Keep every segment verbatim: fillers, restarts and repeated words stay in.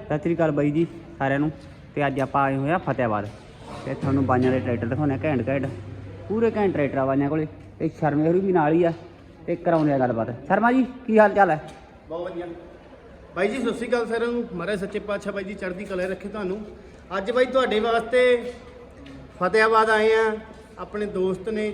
सत श्री अकाल बाई जी सारिਆਂ ਨੂੰ ਤੇ ਅੱਜ ਆਪਾਂ ਆਏ ਹੋਏ ਆ ਫਤਿਆਬਾਦ ਤੇ ਤੁਹਾਨੂੰ ਬਾਈਆਂ ਦੇ ਟਰੈਕਟਰ ਦਿਖਾਉਣੇ ਘੈਂਟ ਘੈਂਟ ਪੂਰੇ ਘੈਂਟ ਟਰੈਕਟਰ ਆ ਬਾਈਆਂ ਕੋਲੇ ਤੇ ਸ਼ਰਮੇ ਹੋਰੀ ਵੀ ਨਾਲ ਹੀ ਆ ਤੇ ਕਰਾਉਂਦੇ ਆ ਗੱਲਬਾਤ। ਸ਼ਰਮਾ ਜੀ ਕੀ ਹਾਲ ਚਾਲ ਹੈ? ਬਹੁਤ ਵਧੀਆ ਬਾਈ ਜੀ, ਸਤਿ ਸ਼੍ਰੀ ਅਕਾਲ ਸਾਰਿਆਂ ਨੂੰ। ਮਹਾਰਾਜ ਸੱਚੇ ਪਾਤਸ਼ਾਹ ਬਾਈ ਜੀ ਚੜ੍ਹਦੀ ਕਲਾ ਰੱਖੇ ਤੁਹਾਨੂੰ। ਅੱਜ ਬਾਈ ਤੁਹਾਡੇ ਵਾਸਤੇ ਫਤਿਆਬਾਦ ਆਏ ਆ। ਆਪਣੇ ਦੋਸਤ ਨੇ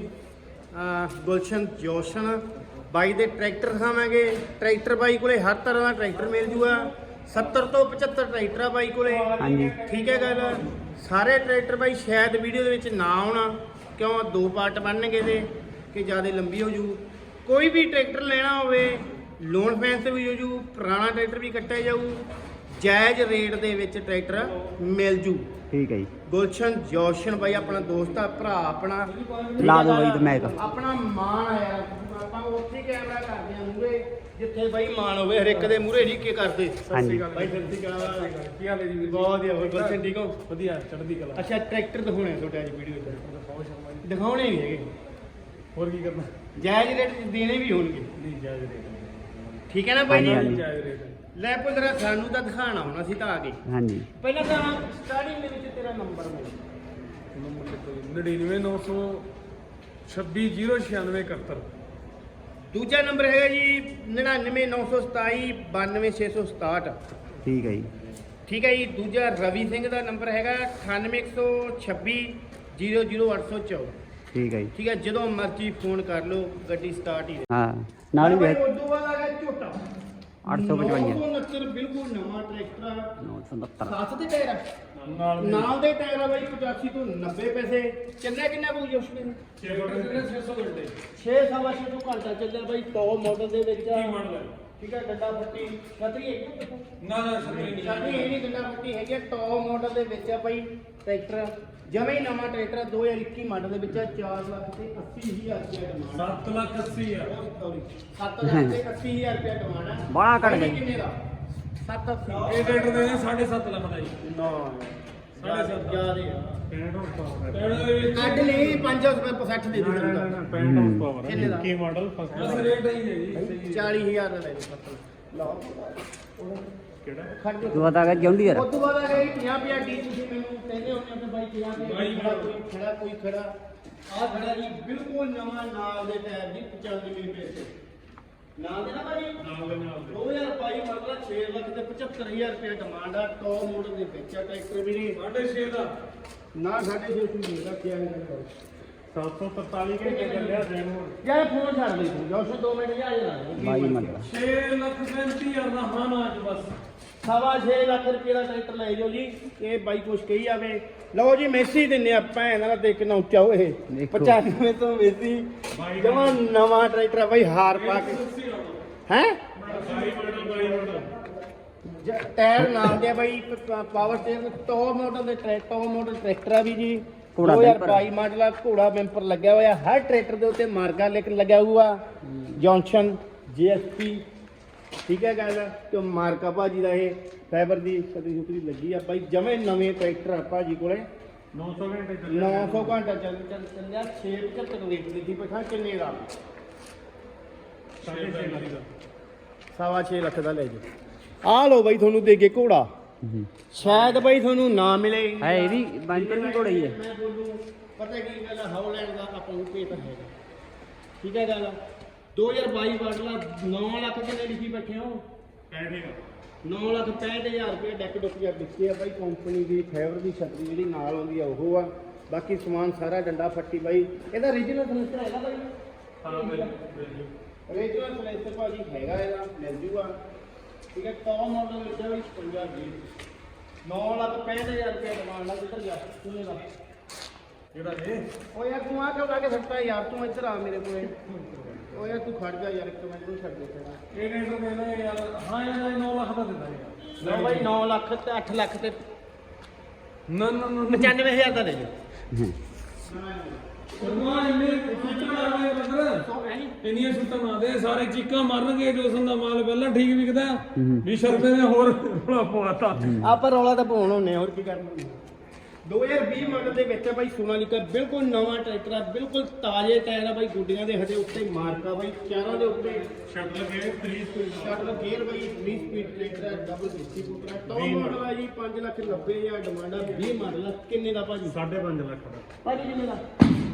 ਗੁਲਸ਼ਨ ਜੋਸ਼ਨ ਬਾਈ ਦੇ ਟਰੈਕਟਰ ਦਿਖਾਵਾਂਗੇ। ਟਰੈਕਟਰ ਬਾਈ ਕੋਲੇ ਹਰ ਤਰ੍ਹਾਂ ਦਾ ਟਰੈਕਟਰ ਮਿਲ ਜੂਗਾ। ਸੱਤਰ ਤੋਂ ਪਚੱਤਰ ਟਰੈਕਟਰ ਆ ਬਾਈ ਕੋਲੇ। ਹਾਂਜੀ ਠੀਕ ਹੈ ਗੱਲ। ਸਾਰੇ ਟਰੈਕਟਰ ਬਾਈ ਸ਼ਾਇਦ ਵੀਡੀਓ ਦੇ ਵਿੱਚ ਨਾ ਆਉਣਾ, ਕਿਉਂ ਦੋ ਪਾਰਟ ਬਣਨਗੇ ਤੇ ਕਿ ਜ਼ਿਆਦਾ ਲੰਬੀ ਹੋ ਜੂ। ਕੋਈ ਵੀ ਟਰੈਕਟਰ ਲੈਣਾ ਹੋਵੇ ਲੋਨ ਫੈਂਸ ਤੇ ਵੀ ਹੋ ਜੂ, ਪੁਰਾਣਾ ਟਰੈਕਟਰ ਵੀ ਕੱਟਿਆ ਜਾਊ, ਜਾਇਜ਼ ਰੇਟ ਦੇ ਵਿੱਚ ਟਰੈਕਟਰ ਮਿਲ ਜੂ। ਠੀਕ ਹੈ ਜੀ। ਗੁਲਸ਼ਨ ਜੋਸ਼ਨ ਬਾਈ ਆਪਣਾ ਦੋਸਤ ਆ, ਭਰਾ ਆਪਣਾ। ਲਾ ਦੋ ਬਾਈ ਤੇ ਮੈਂ ਆਪਣਾ ਮਾਣ ਆਇਆ, ਆਪਾਂ ਉੱਥੇ ਕੈਮਰਾ ਕਰਦੇ ਆ ਮੂਰੇ ਜਿੱਥੇ ਬਾਈ ਮਾਣ ਹੋਵੇ। ਹਰ ਇੱਕ ਦੇ ਮੂਰੇ ਨਹੀਂ ਕੀ ਕਰਦੇ। ਹਾਂਜੀ ਬਾਈ ਸਤਿ ਸ਼੍ਰੀ ਅਕਾਲ, ਕੀ ਹਾਲ ਹੈ ਜੀ? ਬਹੁਤ ਵਧੀਆ। ਹੋਰ ਗੁਲਸ਼ਨ ਠੀਕ ਹੋ? ਵਧੀਆ ਚੜ੍ਹਦੀ ਕਲਾ। ਅੱਛਾ, ਟਰੈਕਟਰ ਦਿਖਾਉਣੇ ਆ ਤੁਹਾਡੇ ਅੱਜ ਵੀਡੀਓ 'ਚ? ਦਿਖਾਉਣੇ ਨਹੀਂ ਹੈਗੇ, ਹੋਰ ਕੀ ਕਰਨਾ? ਜਾਇਜ਼ ਰੇਟ ਦੇਣੇ ਵੀ ਹੋਣਗੇ। ਨਹੀਂ ਜਾਇਜ਼ ਰੇਟ। ਠੀਕ ਹੈ ਨਾ ਬਾਈ ਹਾਂਜੀ, ਜੀ? ਹਾਂਜੀ। ਜਾਇਜ਼ ਰੇਟ। ਲੈ ਪੁੱਤਰਾ, ਸਾਨੂੰ ਤਾਂ ਦਿਖਾਣਾ ਹੋਣਾ ਸੀ ਤਾਂ ਆ ਗਏ। ਹਾਂਜੀ ਪਹਿਲਾਂ ਤਾਂ ਸਟਾਰਟਿੰਗ ਦੇ ਵਿੱਚ ਤੇਰਾ ਨੰਬਰ ਮਿਲ ਨੰਬਰ ਲਿਖੋ ਜੀ ਨੜਿਨਵੇਂ ਨੌ ਸੌ ਛੱਬੀ ਜ਼ੀਰੋ ਛਿਆਨਵੇਂ ਇਕਹੱਤਰ। ਦੂਜਾ ਨੰਬਰ ਹੈਗਾ ਜੀ ਨੜਿਨਵੇਂ ਨੌ ਸੌ ਸਤਾਈ ਬਾਨਵੇਂ ਛੇ ਸੌ ਸਤਾਹਠ। ਠੀਕ ਹੈ ਜੀ। ਠੀਕ ਹੈ ਜੀ। ਦੂਜਾ ਰਵੀ ਸਿੰਘ ਦਾ ਨੰਬਰ ਹੈਗਾ ਅਠਾਨਵੇਂ ਇੱਕ ਸੌ ਛੱਬੀ ਜ਼ੀਰੋ ਜ਼ੀਰੋ ਅੱਠ ਸੌ ਚੌਦਾਂ। ਠੀਕ ਹੈ ਜੀ। ਠੀਕ ਹੈ, ਜਦੋਂ ਮਰਜ਼ੀ ਫੋਨ ਕਰ ਲਓ, ਗੱਡੀ ਸਟਾਰਟ ਹੀ। ਹਾਂ ਨਾਲ ਹੀ ਉਸ ਤੋਂ ਬਾਅਦ ਆ ਗਿਆ ਝੋਟਾ ਅੱਠ ਸੌ ਪਚਵੰਜਾ ਨੌ ਸੌ ਉਨੱਤਰ, ਬਿਲਕੁਲ ਨਵਾਂ ਟਰੈਕਟਰ ਆ। ਨੌ ਸੌ ਉਨੱਤਰ ਸੱਤ ਦੇ ਟਾਇਰ ਆ ਨਾਲ ਨਾਲ ਦੇ ਟਾਇਰ ਆ ਬਾਈ। ਪਚਾਸੀ ਤੋਂ ਨੱਬੇ ਪੈਸੇ ਚੱਲਿਆ। ਕਿੰਨਾ ਕੁ ਜੋਸ਼ ਨੇ? ਛੇ ਸੌ ਘੰਟੇ। ਛੇ ਸਵਾ ਛੇ ਤੋਂ ਘੰਟਾ ਚੱਲਿਆ ਬਾਈ। ਟੌਪ ਮਾਡਲ ਦੇ ਵਿੱਚ ਆ। ਕੀ ਮਾਡਲ ਹੈ? ਠੀਕ ਹੈ, ਡੰਡਾ ਫੱਟੀ ਛਤਰੀ ਹੈ ਨਾ ਨਾ ਛਤਰੀ ਨਹੀਂ। ਛਤਰੀ ਇਹ ਨਹੀਂ, ਡੰਡਾ ਫੱਟੀ ਹੈਗੀ ਆ। ਟੌਪ ਮਾਡਲ ਦੇ ਵਿੱਚ ਆ ਬਾਈ ਟਰੈਕਟਰ। ਜਮੇ ਹੀ ਨਵਾਂ ਟਰੈਕਟਰ ਦੋ ਹਜ਼ਾਰ ਇੱਕੀ ਮਾਡਲ ਦੇ ਵਿੱਚ ਆ। ਚਾਰ ਲੱਖ ਤੇ ਅੱਸੀ ਹਜ਼ਾਰ ਰੁਪਏ ਡਿਮਾਂਡ। ਸੱਤ ਲੱਖ ਅੱਸੀ ਹਜ਼ਾਰ। ਸੱਤ ਲੱਖ ਤੇ ਅੱਸੀ ਹਜ਼ਾਰ ਰੁਪਏ ਡਿਮਾਂਡ ਆ। ਬੜਾ ਘੱਟ ਗਿਆ ਜੀ। ਕਿੰਨੇ ਦਾ? ਸੱਤ ਅੱਸੀ। ਇਹ ਰੇਟ ਦੇ ਨੇ ਸਾਢੇ ਸੱਤ ਲੱਖ ਦਾ ਜੀ। ਨਾ ਸਾਢੇ ਸੱਤ ਜ਼ਿਆਦੇ ਆ। ਪੈਂਹਠ horsepower ਦੇ ਵਿੱਚ ਕੱਢ ਲਈ ਪੰਜ ਸੌ ਰੁਪਏ ਸੱਠ ਦੇ ਨਾ ਨਾ ਦੂੰਗਾ। ਨਾ ਪੈਂਹਠ horsepower ਹੈ। ਕਿੰਨੇ ਦਾ? ਕੀ ਮਾਡਲ ਫਸਟ ਕਲਾਸ ਰੇਟ ਹੀ ਹੈ ਜੀ। ਚਾਲੀ ਹਜ਼ਾਰ ਦਾ ਲੈ ਲਓ। ਲਓ ਕਿਹੜਾ? ਖੜ ਜਾ। ਤੂੰ ਬਤਾ ਗਿਆ ਜੌਂਡੀਅਰ ਉਸ ਤੋਂ ਬਾਅਦ ਆ ਗਈ ਪੰਜਾਹ ਪੰਜਾਹ ਡੀ। ਤੁਸੀਂ ਮੈਨੂੰ ਕਹਿੰਦੇ ਹੋ ਕਿ ਬਾਈ ਪੰਜਾਹ ਪੰਜਾਹ ਖੜਾ, ਕੋਈ ਖੜਾ ਕੋਈ ਖੜਾ। ਆਹ ਖੜਾ ਜੀ ਬਿਲਕੁਲ ਨਵਾਂ, ਨਾਲ ਦੇ ਟਾਇਰ ਜੀ ਪਚਾਨਵੇਂ ਪੈਸੇ ਨਾਲ ਦੇ ਨਾ ਭਾਈ। ਨਾਲ ਦੇ ਨਾਲ ਦੇ ਦੋ ਹਜ਼ਾਰ ਬਾਈ ਮਤਲਬ ਛੇ ਲੱਖ ਤੇ ਪਚੱਤਰ ਹਜ਼ਾਰ ਰੁਪਏ ਡਿਮਾਂਡ ਆ। ਟੌਪ ਮਾਡਲ ਦੇ ਵਿੱਚ ਆ ਟਰੈਕਟਰ ਵੀ ਨਹੀਂ। ਸਾਢੇ ਛੇ ਦਾ ਨਾ ਸਾਢੇ ਛੇ ਸੌ ਨਹੀਂ ਰੱਖਿਆ ਹੈ। ਸੱਤ ਸੌ ਤਰਤਾਲੀ ਘੰਟੇ ਚੱਲਿਆ ਦਿਨ ਹੁਣ। ਯਾਰ ਫੋਨ ਛੱਡ ਦੇ ਤੂੰ ਜੋਸ਼ ਦੋ ਮਿੰਟ ਜਾ ਜਾ ਬਾਈ ਮਤਲਬ ਛੇ ਲੱਖ ਪੈਂਤੀ ਹਜ਼ਾਰ ਦਾ ਹਾਂ ਨਾ ਅੱਜ ਬਸ। ਸਵਾ ਛੇ ਲੱਖ ਰੁਪਏ ਦਾ ਟਰੈਕਟਰ ਲੈ ਜਾਓ ਜੀ। ਇਹ ਬਾਈ ਕੁਛ ਕਹੀ ਜਾਵੇ। ਲਓ ਜੀ ਮੈਸੀ ਦਿੰਨੇ ਆ ਭੈਣ ਨਾਲ। ਦੇਖ ਕਿੰਨਾ ਉੱਚਾ ਹੋਏ। ਦੇਖੋ। ਪਚਾਨਵੇਂ ਤੋਂ ਮੈਸੀ ਜਮਾ ਨਵਾਂ ਟਰੈਕਟਰ ਆ ਬਾਈ, ਹਾਰ ਪਾ ਕੇ ਹੈ। ਬਾਈ ਮਾਡਲ ਬਾਈ ਮਾਡਲ ਟਾਇਰ ਨਾਲ ਦੇ ਆ ਬਾਈ। ਪਾਵਰ ਸਟੀਅਰਿੰਗ ਟੌਪ ਮਾਡਲ ਦੇ ਟਰੈਕਟਰ ਟੌਪ ਮਾਡਲ ਟਰੈਕਟਰ ਆ ਵੀ ਜੀ। ਘੋੜਾ ਦੋ ਹਜ਼ਾਰ ਬੈਂਪਰ। ਬਾਈ ਮਾਡਲ ਆ। ਘੋੜਾ ਬੈਂਪਰ ਲੱਗਿਆ ਹੋਇਆ ਹਰ ਟਰੈਕਟਰ ਦੇ ਉੱਤੇ। ਮਾਰਗਾ ਲੇਕਿਨ ਲੱਗਿਆ ਹੋਊਗਾ ਜੌਨਸਨ ਜੀ ਐਸ ਪੀ। ਠੀਕ ਹੈ ਗੱਲ। ਤੇ ਮਾਰਕਾ ਭਾਜੀ ਦਾ ਇਹ ਫਾਈਬਰ ਦੀ ਛਤਰੀ ਛੁਤਰੀ ਲੱਗੀ ਆ ਬਾਈ। ਜਮੇ ਨਵੇਂ ਟਰੈਕਟਰ ਆ ਭਾਜੀ ਕੋਲੇ। ਨੌ ਸੌ ਘੰਟੇ ਚੱਲਿਆ। ਨੌ ਸੌ ਘੰਟਾ ਚੱਲ ਚੱਲ ਚੱਲਿਆ। ਛੇ ਪਚੱਤਰ ਰੇਟ ਦੀ ਪਛਾ ਕਿੰਨੇ ਦਾ? ਸਾਢੇ ਛੇ ਲੱਖ ਦਾ। ਸਵਾ ਛੇ ਲੱਖ ਦਾ ਲੈ ਜਾਓ। ਆ ਲਓ ਬਾਈ, ਤੁਹਾਨੂੰ ਦੇ ਕੇ ਘੋੜਾ। ਸ਼ਾਇਦ ਬਾਈ ਤੁਹਾਨੂੰ ਨਾ ਮਿਲੇ। ਹੈ ਇਹ ਵੀ ਬੰਪਰ ਵੀ ਘੋੜਾ ਹੀ ਹੈ। ਮੈਂ ਬੋਲੂ ਪਤਾ ਕੀ ਗੱਲ ਆ, ਹੌਲੈਂਡ ਦਾ ਆਪਾਂ ਨੂੰ ਭੇਤ ਹੈਗਾ। ਠੀਕ ਹੈ ਗੱਲ। ਦੋ ਹਜ਼ਾਰ ਬਾਈ ਮਾਡਲ ਆ। ਨੌ ਲੱਖ ਕਿੰਨੇ ਲਿਖੀ ਬੈਠੇ ਹੋ? ਪੈਂਹਠ ਨੌ ਲੱਖ ਪੈਂਹਠ ਹਜ਼ਾਰ ਰੁਪਏ ਡੈਕ ਡੁੱਕਿਆ ਦਿੱਤੇ ਆ ਬਾਈ। ਕੰਪਨੀ ਦੀ ਫਾਈਬਰ ਦੀ ਛਤਰੀ ਜਿਹੜੀ ਨਾਲ ਆਉਂਦੀ ਆ ਉਹ ਆ। ਬਾਕੀ ਸਮਾਨ ਸਾਰਾ ਡੰਡਾ ਫੱਟੀ ਬਾਈ। ਇਹਦਾ ਰੀਜਨਲ ਫਰਨੀਚਰ ਹੈਗਾ ਬਾਈ? ਹਾਂ ਬਿਲਕੁਲ। ਰੀਜਨਲ ਫਰਨੀਚਰ ਭਾਜੀ ਹੈਗਾ, ਇਹਦਾ ਮਿਲ ਜੂਗਾ। ਠੀਕ ਹੈ। ਟੌਪ ਮਾਡਲ ਵਿੱਚ ਆ ਬਾਈ ਛਪੰਜਾ ਜੀ। ਨੌ ਲੱਖ ਪੈਂਹਠ ਹਜ਼ਾਰ ਰੁਪਏ ਡਿਮਾਂਡ ਆ। ਕਿੱਧਰ ਗਿਆ ਤੂੰ? ਇਹਦਾ ਕਿਹੜਾ ਇਹ? ਓ ਯਾਰ ਤੂੰ ਆ ਕਿਉਂ ਲਾ ਕੇ ਸੱਟਾ ਯਾਰ? ਤੂੰ ਇੱਧਰ ਆ ਮੇਰੇ ਕੋਲੇ। ਓ ਯਾਰ ਤੂੰ ਖੜ ਜਾ ਯਾਰ, ਇੱਕ ਮਿੰਟ ਨੂੰ ਛੱਡ ਦੇ ਤੇਰਾ। ਇਹ ਰੇਟ ਦੇ ਨਾ ਯਾਰ। ਹਾਂ ਯਾਰ ਇਹ ਨੌ ਲੱਖ ਦਾ ਦਿੰਦਾ ਯਾਰ। ਲਓ ਬਾਈ ਨੌ ਲੱਖ ਤੇ ਅੱਠ ਲੱਖ ਤੇ ਨਾ ਨਾ ਨਾ ਪਚਾਨਵੇਂ ਹਜ਼ਾਰ ਦਾ ਲੈ ਜਾ। ਸਰਮਾ ਇੰਨੇ ਸੁੱਟਾਂ ਮਾਰਨੇ ਬਦਰ। ਇੰਨੀਆਂ ਸੁੱਟਾਂ ਨਾ ਦੇ, ਸਾਰੇ ਚੀਕਾਂ ਮਾਰਨਗੇ। ਜੋਸਨ ਦਾ ਮਾਲ ਪਹਿਲਾਂ ਠੀਕ ਵਿਕਦਾ ਵੀ ਸ਼ਰਮੇ ਨੇ ਹੋਰ ਰੌਲਾ ਪਵਾਤਾ। ਆਪਾਂ ਰੌਲਾ ਤਾਂ ਪਾਉਣ ਹੁੰਨੇ, ਹੋਰ ਕੀ ਕਰਨਾ। ਦੋ ਹਜ਼ਾਰ ਵੀਹ ਮਾਡਲ ਦੇ ਵਿੱਚ ਆ ਬਾਈ ਸੋਨਾਲੀਕਾ, ਬਿਲਕੁਲ ਨਵਾਂ ਟਰੈਕਟਰ ਆ, ਬਿਲਕੁਲ ਤਾਜ਼ੇ ਟਾਇਰ ਆ ਬਾਈ, ਗੁੱਡੀਆਂ ਦੇ ਹਜੇ ਉੱਤੇ ਮਾਰਕਾ ਬਾਈ, ਚਾਰਾਂ ਦੇ ਉੱਤੇ shuttle gear three speed shuttle gear ਬਾਈ, ਥ੍ਰੀ ਸਪੀਡ ਟਰੈਕਟਰ ਹੈ, ਡਬਲ ਡਿਸਟ੍ਰੀਬਿਊਟਰ ਹੈ, ਟੌਪ ਮਾਡਲ ਆ ਜੀ, ਪੰਜ ਲੱਖ ਨੱਬੇ ਹਜ਼ਾਰ ਡਿਮਾਂਡ ਆ, ਵੀਹ ਮਾਡਲ ਆ, ਕਿੰਨੇ ਦਾ ਭਾਜੀ? ਸਾਢੇ ਪੰਜ ਲੱਖ ਦਾ। ਭਾਜੀ ਕਿੰਨੇ ਦਾ?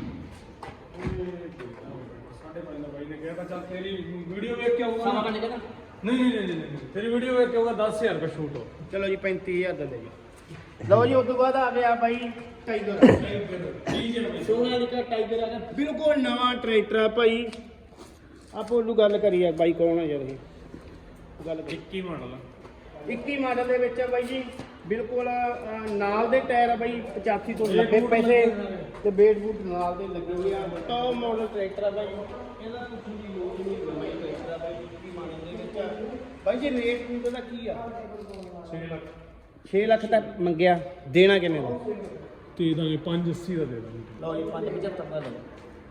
ਸਾਢੇ ਪੰਜ ਦਾ ਬਾਈ ਨੇ ਕਿਹਾ ਤਾਂ ਚੱਲ ਤੇਰੀ ਵੀਡੀਓ ਵੇਖ ਕੇ ਆਊਗਾ ਨਾ। ਨਹੀਂ ਨਹੀਂ ਨਹੀਂ ਨਹੀਂ ਤੇਰੀ ਵੀਡੀਓ ਵੇਖ ਕੇ ਆਊਗਾ ਦਸ ਹਜ਼ਾਰ ਰੁਪਏ ਛੂਟ ਹੋ। ਚਲੋ ਜੀ ਪੈਂਤੀ ਹਜ਼ਾਰ ਦਾ ਦੇ ਜੀ। ਲਓ ਜੀ ਉਸ ਤੋਂ ਬਾਅਦ ਆ ਗਿਆ ਬਾਈ ਟਾਈਗਰ, ਸੋਨਾਲੀਕਾ ਟਾਈਗਰ ਆ ਗਿਆ, ਬਿਲਕੁਲ ਨਵਾਂ ਟਰੈਕਟਰ ਆ ਭਾਈ। ਆਪਾਂ ਉਹਨੂੰ ਗੱਲ ਕਰੀਏ ਬਾਈ ਕੌਣ ਆ ਯਾਰ ਇਹ ਗੱਲ ਕਰੀ। ਇੱਕੀ ਮਾਡਲ ਆ, ਇੱਕੀ ਮਾਡਲ ਦੇ ਵਿੱਚ ਆ ਬਾਈ ਜੀ, ਬਿਲਕੁਲ ਅਹ, ਨਾਲ ਦੇ ਟਾਇਰ ਆ ਬਾਈ ਪਚਾਸੀ ਤੋਂ ਨੱਬੇ ਪੈਸੇ ਤੇ ਬੇਟ ਬੂਟ ਨਾਲ ਦੇ ਲੱਗੇ ਹੋਏ ਆ, ਟੌਪ ਮਾਡਲ ਟਰੈਕਟਰ ਆ ਬਾਈ, ਇਹਦਾ ਪੁੱਛਣ ਦੀ ਲੋੜ ਨਹੀਂ, ਨਵਾਂ ਹੀ ਟਰੈਕਟਰ ਆ ਬਾਈ ਇੱਕੀ ਮਾਡਲ ਦੇ ਵਿੱਚ। ਬਾਈ ਜੀ ਰੇਟ ਰੂਟ ਦਾ ਕੀ ਆ? ਛੇ ਲੱਖ ਛੇ ਲੱਖ ਤੱਕ ਮੰਗਿਆ, ਦੇਣਾ ਕਿੰਨੇ ਦਾ? ਤੇ ਦਾਂਗੇ ਪੰਜ ਅੱਸੀ ਦਾ ਦੇ ਦਾਂਗੇ। ਲਓ ਜੀ ਪੰਜ ਪਝੱਤਰ ਦਾ ਲਓ।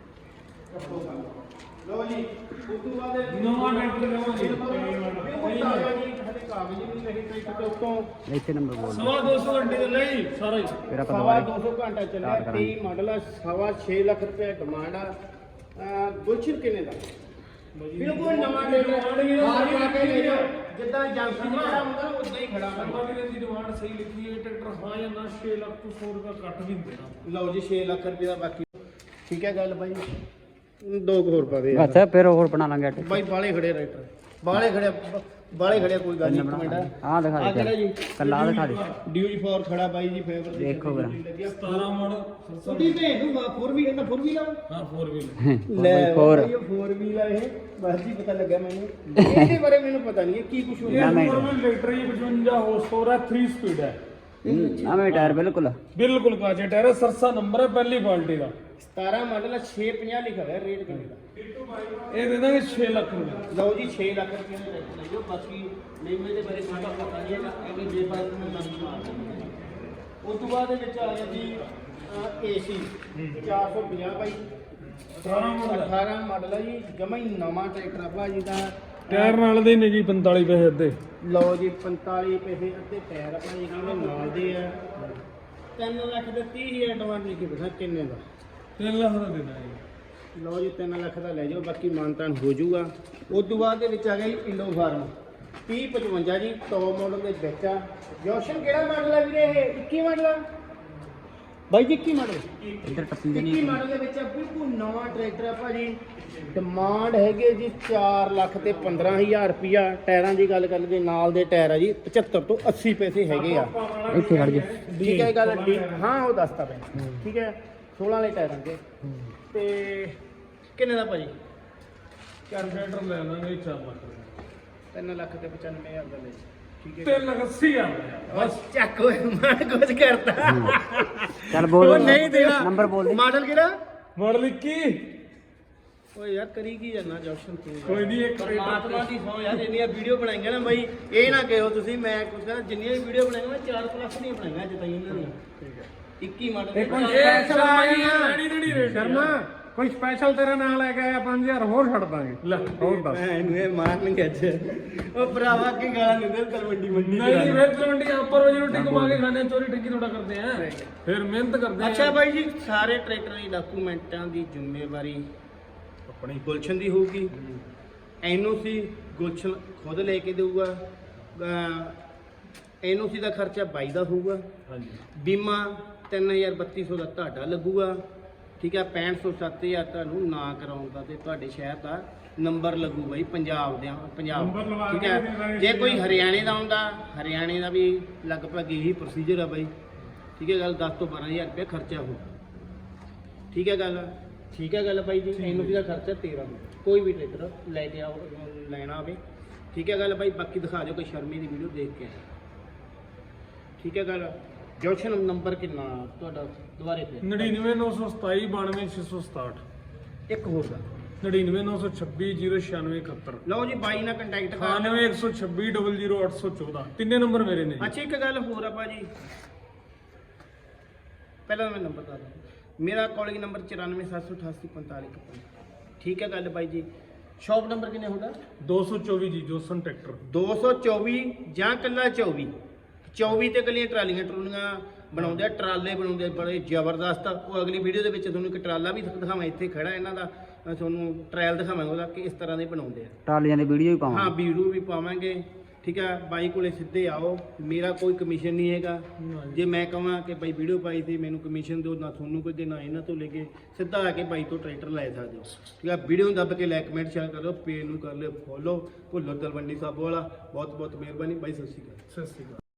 ਲਓ ਜੀ ਉਸ ਤੋਂ ਬਾਅਦ ਨਵਾਂ ਟਰੈਕਟਰ ਲਵਾਂਗੇ ਬਿਲਕੁਲ ਤਾਜ਼ਾ ਜੀ, ਹਲੇ ਕਾਗਜ਼ ਵੀ ਨਹੀਂ ਟਰੈਕਟਰ ਦੇ ਉੱਤੋਂ। ਇੱਥੇ ਨੰਬਰ ਬੋਲ ਸਵਾ ਦੋ ਸੌ ਘੰਟੇ ਦੇ ਨਹੀਂ ਸਾਰਾ ਹੀ। ਫਿਰ ਆਪਾਂ ਸਵਾ ਦੁਬਾਰਾ ਦੋ ਸੌ ਘੰਟਾ ਚੱਲਿਆ, ਤੇਈ ਮਾਡਲ ਆ, ਸਵਾ ਛੇ ਲੱਖ ਰੁਪਏ ਡਿਮਾਂਡ ਆ। ਅਹ, ਗੁਲਸ਼ਨ ਕਿੰਨੇ ਦਾ? ਬਿਲਕੁਲ ਨਵਾਂ ਟਰੈਕਟਰ ਹਾਰ ਪਾ ਕੇ ਲੈ ਜਾਓ, ਜਿੱਦਾਂ ਏਜੰਸੀ ਨੂੰ ਖੜਾ ਹੁੰਦਾ ਨਾ ਉਦਾਂ ਹੀ ਖੜਾ ਹੁੰਦਾ। ਆਪਾਂ ਵੀ ਦੀ ਡਿਮਾਂਡ ਸਹੀ ਲਿਖੀ ਹੈ, ਟਰੈਕਟਰ ਹਾਂ ਜਾਂ ਨਾ ਛੇ ਲੱਖ ਤੋਂ ਸੌ ਰੁਪਏ ਘੱਟ ਵੀ ਦੇਣਾ। ਲਓ ਜੀ ਛੇ ਲੱਖ ਰੁਪਏ ਦਾ ਬਾਕੀ ਠੀਕ ਹੈ ਗੱਲ ਬਾਈ, ਦੋ ਕੁ ਹੋਰ ਪਾ ਦੇ ਅੱਛਾ ਫਿਰ ਹੋਰ ਬਣਾ ਲਾਂਗੇ ਆਟੇ। ਬਾਈ ਬਾਲੇ ਖੜੇ ਟਰੈਕਟਰ, ਬਾਲੇ ਖੜੇ ਬਾਲੇ ਖੜੇ, ਕੋਈ ਗੱਲ ਨਹੀਂ। ਇੱਕ ਮਿੰਟ ਆਹ ਦਿਖਾ ਆਹ ਦੇ ਕਿਹੜਾ ਜੀ? ਕੱਲਾ ਆਹ ਦਿਖਾ ਦੇ। ਡਿਊਟੀ ਫੋਰ ਖੜਾ ਬਾਈ ਜੀ, ਫੇਵਰ ਦੀ ਦੇਖੋ ਵੀਰ। ਸਤਾਰਾਂ ਮਾਡਲ ਛੋਟੀ ਭੇਜ ਦੂੰਗਾ, ਫੋਰ ਵੀ ਕਹਿੰਦਾ ਫੋਰ ਵੀ ਲਾਓ। ਹਾਂ ਫੋਰ ਵੀਲ ਲੈ ਫੋਰ ਇਹ ਫੋਰ ਵੀਲ ਆ, ਇਹ ਬਸ ਜੀ ਪਤਾ ਲੱਗਾ ਮੈਨੂੰ, ਇਹਦੇ ਬਾਰੇ ਮੈਨੂੰ ਪਤਾ ਨਹੀਂ ਹੈ ਕੀ ਕੁਝ ਇਹ ਹੁੰਦਾ। ਫੋਰ ਵੀਲ ਟਰੈਕਟਰ ਹੀ ਪਚਵੰਜਾ ਹਾਰਸ ਪਾਵਰ ਹੈ, ਥ੍ਰੀ ਸਪੀਡ ਹੈ, ਨਵੇਂ ਟਾਇਰ ਬਿਲਕੁਲ ਬਿਲਕੁਲ ਕਾਜੇ ਟਾਇਰ ਹੈ, ਸਰਸਾ ਨੰਬਰ ਹੈ, ਪਹਿਲੀ ਕੁਆਲਿਟੀ ਦਾ। ਸਤਾਰਾਂ ਮਾਡਲ ਛੇ ਪੰਜਾਹ ਲਿਖਿਆ ਹੋਇਆ, ਰੇਟ ਕਿੰਨੇ ਦਾ? ਇਹ ਦੇ ਦਾਂਗੇ ਛੇ ਲੱਖ ਰੁਪਏ। ਲਓ ਜੀ ਛੇ ਲੱਖ ਰੁਪਏ ਦਾ ਰੇਟ ਲੈ ਜਾਓ, ਬਾਕੀ ਨੇਮੇ ਦੇ ਬਾਰੇ ਸਾਡਾ ਪਤਾ ਨਹੀਂ ਹੈਗਾ, ਕਿਉਂਕਿ ਜੇ ਬਾਅਦ ਮੈਂ ਨੰਬਰ ਮਾਰ ਦਿੰਦਾ। ਉਸ ਤੋਂ ਬਾਅਦ ਦੇ ਵਿੱਚ ਆ ਗਿਆ ਜੀ ਏਸੀ ਚਾਰ ਸੌ ਪੰਜਾਹ ਬਾਈ, ਅਠਾਰਾਂ ਮਾਡਲ ਅਠਾਰਾਂ ਮਾਡਲ ਆ ਜੀ, ਜਮਾ ਹੀ ਨਵਾਂ ਟਰੈਕਟਰ ਆ ਭਾਜੀ ਦਾ। ਟਾਇਰ ਨਾਲ ਦੇ ਨੇ ਜੀ ਪੰਤਾਲੀ ਪੈਸੇ ਅੱਧੇ। ਲਓ ਜੀ ਪੰਤਾਲੀ ਪੈਸੇ ਅੱਧੇ ਟਾਇਰ ਆ ਭਾਜੀ ਕਹਿੰਦੇ ਨਾਲ ਦੇ ਆ। ਤਿੰਨ ਲੱਖ ਦੇ ਤੀਹ ਹਜ਼ਾਰ ਡਿਮਾਂਡ ਲਿਖੀ ਬੈਠਾ, ਕਿੰਨੇ ਦਾ? ਤਿੰਨ ਲੱਖ ਦਾ ਦੇ ਦਾਂਗੇ। ਲਓ ਜੀ ਤਿੰਨ ਲੱਖ ਦਾ ਲੈ ਜਾਓ, ਬਾਕੀ ਮਾਨਤਾਨ ਹੋ ਜਾਊਗਾ। ਉਸ ਤੋਂ ਬਾਅਦ ਦੇ ਵਿੱਚ ਆ ਗਿਆ ਜੀ ਇੰਡੋ ਫਾਰਮ ਤੀਹ ਪਚਵੰਜਾ ਜੀ, ਟੌਪ ਮਾਡਲ ਦੇ ਵਿੱਚ ਆ। ਜੋਸ਼ਨ ਕਿਹੜਾ ਮਾਡਲ ਹੈ ਵੀਰੇ? ਇਹ ਇੱਕੀ ਮਾਡਲ ਆ ਬਾਈ ਜੀ, ਇੱਕੀ ਮਾਡਲ ਇੱਧਰ ਟੱਪੀ ਦੇ ਇੱਕੀ ਨਹੀਂ। ਮਾਡਲ ਦੇ ਵਿੱਚ ਆ, ਬਿਲਕੁਲ ਨਵਾਂ ਟਰੈਕਟਰ ਆ ਭਾਜੀ। ਡਿਮਾਂਡ ਹੈਗੇ ਜੀ ਚਾਰ ਲੱਖ ਤੇ ਪੰਦਰਾਂ ਹਜ਼ਾਰ ਰੁਪਿਆ। ਟਾਇਰਾਂ ਦੀ ਗੱਲ ਕਰ ਲਈਏ, ਨਾਲ ਦੇ ਟਾਇਰ ਆ ਜੀ ਪਚੱਤਰ ਤੋਂ ਅੱਸੀ ਪੈਸੇ ਹੈਗੇ ਆ। ਇੱਥੇ ਖੜ ਜਾ। ਠੀਕ ਹੈ ਗੱਲ ਠੀਕ, ਹਾਂ ਉਹ ਦੱਸਤਾ ਪੈ ਠੀਕ ਹੈ, ਸੋਲਾਂ ਵਾਲੇ ਟਾਇਰਾਂ ਦੇ। ਤੇ ਕਿੰਨੇ ਦਾ ਭਾਜੀ? ਚਾਰ ਟਰੈਕਟਰ ਲੈ ਲਾਂਗੇ ਚਾਰ ਲੱਖ ਰੁਪਏ। ਤਿੰਨ ਲੱਖ ਤੇ ਪਚਾਨਵੇਂ ਹਜ਼ਾਰ ਦਾ ਲੈ ਜੀ। ਠੀਕ ਹੈ ਤਿੰਨ ਲੱਖ ਅੱਸੀ ਹਜ਼ਾਰ ਦਾ। ਬਸ ਚੱਕ ਹੋਏ, ਮੈਂ ਕੁਝ ਕਰਤਾ। ਚੱਲ ਬੋਲ ਉਹ ਨਹੀਂ ਦੇਣਾ। ਨੰਬਰ ਬੋਲ ਦੇ। ਮਾਡਲ ਕਿਹੜਾ? ਮਾਡਲ ਇੱਕੀ। ਓਏ ਯਾਰ ਕਰੀ ਕੀ ਜਾਨਾ ਜੋਸ਼ਨ ਤੂੰ? ਕੋਈ ਨਹੀਂ ਇੱਕ ਪਰਮਾਤਮਾ ਦੀ ਸੌ ਯਾਰ, ਇੰਨੀਆਂ ਵੀਡੀਓ ਬਣਾਈਆਂ ਨਾ ਬਾਈ, ਇਹ ਨਾ ਕਹੋ ਤੁਸੀਂ ਮੈਂ ਕੁਝ ਕਹਿੰਦਾ, ਜਿੰਨੀਆਂ ਵੀ ਵੀਡੀਓ ਬਣਾਈਆਂ ਮੈਂ ਚਾਰ ਪਲੱਸ ਦੀਆਂ ਬਣਾਈਆਂ ਅੱਜ ਤਾਈਂ ਇਹਨਾਂ ਦੀਆਂ। ਠੀਕ ਹੈ ਇੱਕੀ ਮਾਡਲ ਦੇ ਕੋਈ ਲੈਣੀ ਦੇਣੀ ਰੇਟ ਸ਼ਰਮਾ, ਕੋਈ ਸਪੈਸ਼ਲ ਤੇਰਾ ਨਾਂ ਲੈ ਕੇ ਆਇਆ ਪੰਜ ਹਜ਼ਾਰ ਹੋਰ ਛੱਡ ਦਾਂਗੇ। ਲੈ ਹੋਰ ਦੱਸ। ਇਹਨੂੰ ਇਹ ਮਾਰਨਗੇ ਅੱਜ। ਉਹ ਭਰਾਵਾ ਕੀ ਗਾਲਾਂ ਦਿੰਦੇ ਤਲਵੰਡੀ ਮੰਡੀ ਨਹੀਂ ਨਹੀਂ ਵੇਚ ਮੰਡੀ ਆਪਾਂ ਰੋਜੀ ਰੋਟੀ ਕਮਾ ਕੇ ਖਾਣੇ, ਚੋਰੀ ਠੱਗੀ ਥੋੜਾ ਕਰਦੇ ਆ, ਫਿਰ ਮਿਹਨਤ ਕਰਦੇ ਆ। ਅੱਛਾ ਬਾਈ ਜੀ, ਸਾਰੇ ਟਰੈਕਟਰ ਦੀ ਡਾਕੂਮੈਂਟਾਂ ਦੀ ਜ਼ਿੰਮੇਵਾਰੀ ਆਪਣੀ ਗੁਲਸ਼ਨ ਦੀ ਹੋਊਗੀ। ਐਨਓਸੀ ਗੁਲਸ਼ਨ ਖੁਦ ਲੈ ਕੇ ਦੇਊਗਾ। ਐਨਓਸੀ ਦਾ ਖਰਚਾ ਬਾਈ ਦਾ ਹੋਊਗਾ। ਹਾਂਜੀ ਬੀਮਾ ਤਿੰਨ ਹਜ਼ਾਰ ਬੱਤੀ ਸੌ ਦਾ ਤੁਹਾਡਾ ਲੱਗੂਗਾ। ਠੀਕ ਹੈ, ਪੈਂਹਠ ਸੌ ਸੱਤ ਹਜ਼ਾਰ ਤੁਹਾਨੂੰ ਨਾ ਕਰਾਉਣ ਦਾ ਤੇ ਤੁਹਾਡੇ ਸ਼ਹਿਰ ਦਾ ਨੰਬਰ ਲੱਗੂ ਬਾਈ, ਪੰਜਾਬ ਦੇ ਪੰਜਾਬ। ਠੀਕ ਹੈ, ਜੇ ਕੋਈ ਹਰਿਆਣੇ ਦਾ ਹੁੰਦਾ, ਹਰਿਆਣੇ ਦਾ ਵੀ ਲਗਭਗ ਇਹੀ ਪ੍ਰੋਸੀਜਰ ਆ ਬਾਈ। ਠੀਕ ਹੈ ਗੱਲ, ਦਸ ਤੋਂ ਬਾਰਾਂ ਹਜ਼ਾਰ ਰੁਪਏ ਖਰਚਾ ਹੋਊ। ਠੀਕ ਹੈ ਗੱਲ, ਠੀਕ ਹੈ ਗੱਲ ਬਾਈ ਜੀ। ਐਨਓਸੀ ਦਾ ਖਰਚਾ ਤੇਰਾਂ ਕੋਈ ਵੀ ਟਰੈਕਟਰ ਲੈ ਕੇ ਆਓ, ਲੈਣਾ ਹੋਵੇ। ਠੀਕ ਹੈ ਗੱਲ ਬਾਈ, ਬਾਕੀ ਦਿਖਾ ਦਿਓ ਕੋਈ ਸ਼ਰਮੀ ਦੀ ਵੀਡੀਓ ਦੇਖ ਕੇ। ਠੀਕ ਹੈ ਗੱਲ। ਜੋਸ਼ਨ ਨੰਬਰ ਕਿੰਨਾ ਤੁਹਾਡਾ ਦੁਬਾਰੇ ਤੇ? ਨੜਿਨਵੇਂ ਨੌ ਸੌ ਸਤਾਈ ਬਾਨਵੇਂ ਛੇ ਸੌ ਸਤਾਹਠ। ਇੱਕ ਹੋਰ ਦਾ ਨੜਿਨਵੇਂ ਨੌ ਸੌ ਛੱਬੀ ਜ਼ੀਰੋ ਛਿਆਨਵੇਂ ਇਕਹੱਤਰ। ਲਓ ਜੀ ਬਾਈ ਨਾਲ ਕੰਟੈਕਟ ਕਰ। ਅਠਾਨਵੇਂ ਇੱਕ ਸੌ ਛੱਬੀ ਡਬਲ ਜ਼ੀਰੋ ਅੱਠ ਸੌ ਚੌਦਾਂ। ਤਿੰਨੇ ਨੰਬਰ ਮੇਰੇ ਨੇ ਜੀ। ਅੱਛਾ ਇੱਕ ਗੱਲ ਹੋਰ ਆ ਭਾਜੀ, ਪਹਿਲਾਂ ਮੈਂ ਨੰਬਰ ਦੱਸ ਦਿਆਂ। ਮੇਰਾ ਕਾਲਿੰਗ ਨੰਬਰ ਚੁਰਾਨਵੇਂ ਸੱਤ ਸੌ ਅਠਾਸੀ ਪੰਤਾਲੀ ਇਕੱਤੀ। ਠੀਕ ਹੈ ਗੱਲ ਬਾਈ ਜੀ। ਸ਼ਾਪ ਨੰਬਰ ਕਿੰਨੇ ਹੁੰਦਾ? ਦੋ ਸੌ ਚੌਵੀ ਜੀ ਜੋਸਨ ਟਰੈਕਟਰ। ਦੋ ਸੌ ਚੌਵੀ ਜਾਂ ਕੱਲਾ ਚੌਵੀ ਚੌਵੀ ਤੇ ਕੱਲੀਆਂ ਟਰਾਲੀਆਂ ਟਰੂਲੀਆਂ ਬਣਾਉਂਦੇ ਆ, ਟਰਾਲੇ ਬਣਾਉਂਦੇ ਆ ਬੜੇ ਜ਼ਬਰਦਸਤ। ਉਹ ਅਗਲੀ ਵੀਡੀਓ ਦੇ ਵਿੱਚ ਤੁਹਾਨੂੰ ਇੱਕ ਟਰਾਲਾ ਵੀ ਦਿਖਾਵਾਂ, ਇੱਥੇ ਖੜਾ ਇਹਨਾਂ ਦਾ, ਮੈਂ ਤੁਹਾਨੂੰ ਟਰਾਇਲ ਦਿਖਾਵਾਂਗਾ ਉਹਦਾ ਕਿ ਇਸ ਤਰ੍ਹਾਂ ਦੇ ਬਣਾਉਂਦੇ ਆ। ਟਰਾਲੀਆਂ ਦੀ ਵੀਡੀਓ ਵੀ ਹਾਂ ਪਾਵਾਂ। ਵੀਡੀਓ ਵੀ ਪਾਵਾਂਗੇ, ਠੀਕ ਹੈ। ਬਾਈ ਕੋਲੇ ਸਿੱਧੇ ਆਓ, ਮੇਰਾ ਕੋਈ ਕਮਿਸ਼ਨ ਨਹੀਂ ਹੈਗਾ। ਜੇ ਮੈਂ ਕਹਾਂ ਕਿ ਬਾਈ ਵੀਡੀਓ ਪਾਈ ਤੇ ਮੈਨੂੰ ਕਮਿਸ਼ਨ ਦਿਓ, ਨਾ ਤੁਹਾਨੂੰ ਕੋਈ ਦੇ ਨਾ ਇਹਨਾਂ ਤੋਂ ਲੈ ਕੇ, ਸਿੱਧਾ ਆ ਕੇ ਬਾਈ ਤੋਂ ਟਰੈਕਟਰ ਲੈ ਸਕਦੇ ਹੋ, ਠੀਕ ਹੈ। ਵੀਡੀਓ ਨੂੰ ਦੱਬ ਕੇ ਲਾਈਕ ਕਮੈਂਟ ਸ਼ੇਅਰ ਕਰ ਦਿਓ, ਪੇਜ ਨੂੰ ਕਰ ਲਿਓ ਫੋਲੋ। ਭੁੱਲਰ ਤਲਵੰਡੀ ਸਾਬੋ ਵਾਲਾ, ਬਹੁਤ ਬਹੁਤ ਮਿਹਰਬਾਨੀ ਬਾਈ, ਸਤਿ ਸ਼੍ਰੀ ਅਕਾਲ। ਸਤਿ ਸ਼੍ਰੀ ਅਕਾਲ।